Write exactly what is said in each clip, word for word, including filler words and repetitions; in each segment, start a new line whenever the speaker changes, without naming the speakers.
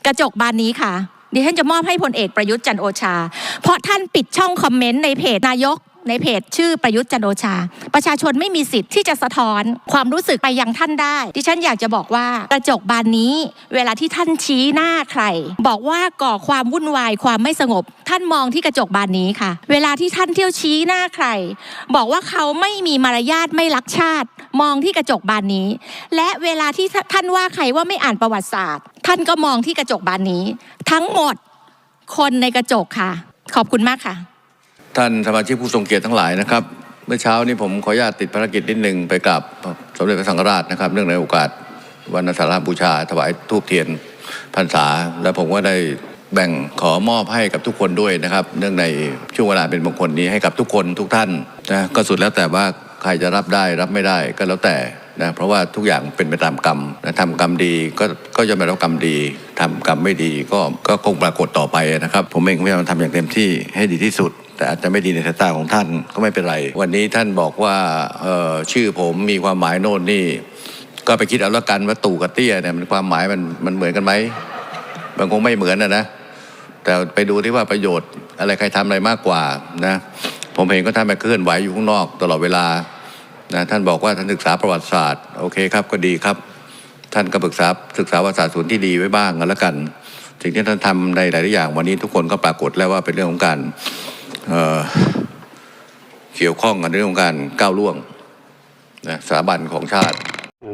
กระจกบานนี้ค่ะดิฉันจะมอบให้พลเอกประยุทธ์จันทร์โอชาเพราะท่านปิดช่องคอมเมนต์ในเพจนายกในเพจชื่อประยุทธ์จันทร์โอชาประชาชนไม่มีสิทธิ์ที่จะสะท้อนความรู้สึกไปยังท่านได้ดิฉันอยากจะบอกว่ากระจกบานนี้เวลาที่ท่านชี้หน้าใครบอกว่าก่อความวุ่นวายความไม่สงบท่านมองที่กระจกบานนี้ค่ะเวลาที่ท่านเที่ยวชี้หน้าใครบอกว่าเขาไม่มีมารยาทไม่รักชาติมองที่กระจกบานนี้และเวลาที่ท่านว่าใครว่าไม่อ่านประวัติศาสตร์ท่านก็มองที่กระจกบานนี้ทั้งหมดคนในกระจกค่ะขอบคุณมากค่ะ
ท่านสมาชิกผู้ทรงเกียรติทั้งหลายนะครับเมื่อเช้านี้ผมขออนุญาตติดภารกิจนิดหนึ่งไปกับสมเด็จพระสังฆราชนะครับเนื่องในโอกาสวันอาสาฬหบูชาถวายธูปเทียนพรรษาและผมก็ได้แบ่งขอมอบให้กับทุกคนด้วยนะครับเนื่องในช่วงเวลาเป็นมงคลนี้ให้กับทุกคนทุกท่านนะก็สุดแล้วแต่ว่าใครจะรับได้รับไม่ได้ก็แล้วแต่นะเพราะว่าทุกอย่างเป็นไปตามกรรมนะทำกรรมดีก็ก็จะได้รับกรรมดีทำกรรมไม่ดีก็ก็คงปรากฏต่อไปนะครับผมเองพยายามทำอย่างเต็มที่ให้ดีที่สุดแต่อาจจะไม่ดีในสายตาของท่านก็ไม่เป็นไรวันนี้ท่านบอกว่าเอ่อชื่อผมมีความหมายโน่นนี่ก็ไปคิดเอาละกันว่าตู่กับเตี้ยเนี่ยมันความหมายมันมันเหมือนกันไหมมันคงไม่เหมือนนะนะแต่ไปดูที่ว่าประโยชน์อะไรใครทำอะไรมากกว่านะผมเองก็ท่านไปเคลื่อนไหวอยู่ข้างนอกตลอดเวลานะท่านบอกว่าท่านศึกษาประวัติศาสตร์โอเคครับก็ดีครับท่านก็ศึกษาศึกษาประวัติศาสตร์ส่วนที่ดีไว้บ้างกันแล้วกันสิ่งที่ท่านทำในหลายๆอย่างวันนี้ทุกคนก็ปรากฏแล้วว่าเป็นเรื่องของการเอ่อเกี่ยวข้องกันเรื่องของการก้าวล่วงนะสถาบันของชาติ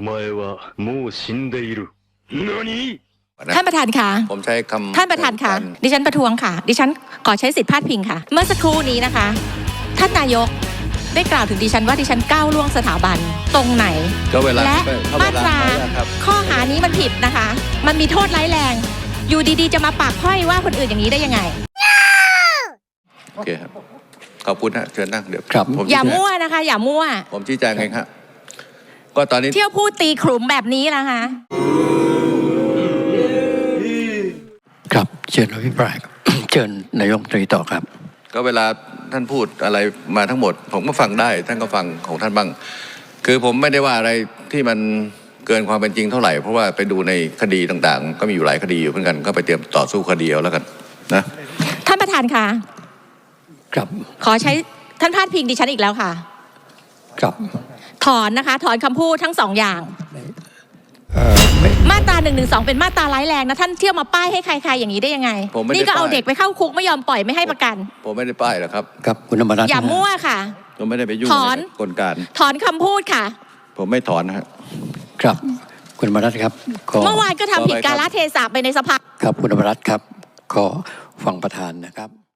ท่านประธานค่ะ
ผมใช้คำ
ท่านประธานค่ะดิฉันประท้วงค่ะดิฉันขอใช้สิทธิพาดพิงค่ะเมื่อสักครู่นี้นะคะท่านนายกได้กล่าวถึงดิฉันว่าดิฉันก้าวล่วงสถาบันตรงไหนและมาตราข้อหานี้มันผิดนะคะมันมีโทษร้ายแรงอยู่ดีๆจะมาปากพ้อยว่าคนอื่นอย่างนี้ได้ยังไง
โอเคครับขอบคุณฮะเชิญนั่งเดี๋ยว
ครับ
อย่ามั่วนะคะอย่ามั่ว
ผมชี้แจงเองครับก็ตอนนี้
เที่ยวพูดตีขลุ่มแบบนี้นะคะ
ครับเชิญอภิปรายเชิญนายกรัฐมนตรีต่อครับ
ก็เวลาท่านพูดอะไรมาทั้งหมดผมก็ฟังได้ท่านก็ฟังของท่านบ้างคือผมไม่ได้ว่าอะไรที่มันเกินความเป็นจริงเท่าไหร่เพราะว่าไปดูในคดีต่างๆก็มีอยู่หลายคดีอยู่เหมือนกันก็ไปเตรียมต่อสู้คดีเอาแล้วกันนะ
ท่านประธานค่ะ
ครับ
ขอใช้ท่านพาดพิงดิฉันอีกแล้วค่ะ
ครับ
ถอนนะคะถอนคำพูดทั้งสองอย่างมาตราหนึ่งหนึ่งสองเป็นมาตราร้ายแรงนะท่านเที่ยวมาป้ายให้ใครๆอย่างนี้ได้ยังไงนี่ก็เอาเด็กไปเข้าคุกไม่ยอมปล่อยไม่ให้ประกัน
ผมไม่ได้ป้ายหรอกครับ
ครับคุณธรรมรัตน์
อย่ามั่วค่ะ
ผมไม่ได้ไปยุ่งในกลการ
ถอนคำพูดค่ะ
ผมไม่ถอนนะครับ
ครับคุณธรรมรัตน์ครับ
เมื่อวานก็ทำผิดกาลเทศะไปในสภา
ครับคุณธรรมรัตน์ครับขอฟังประธานนะครับ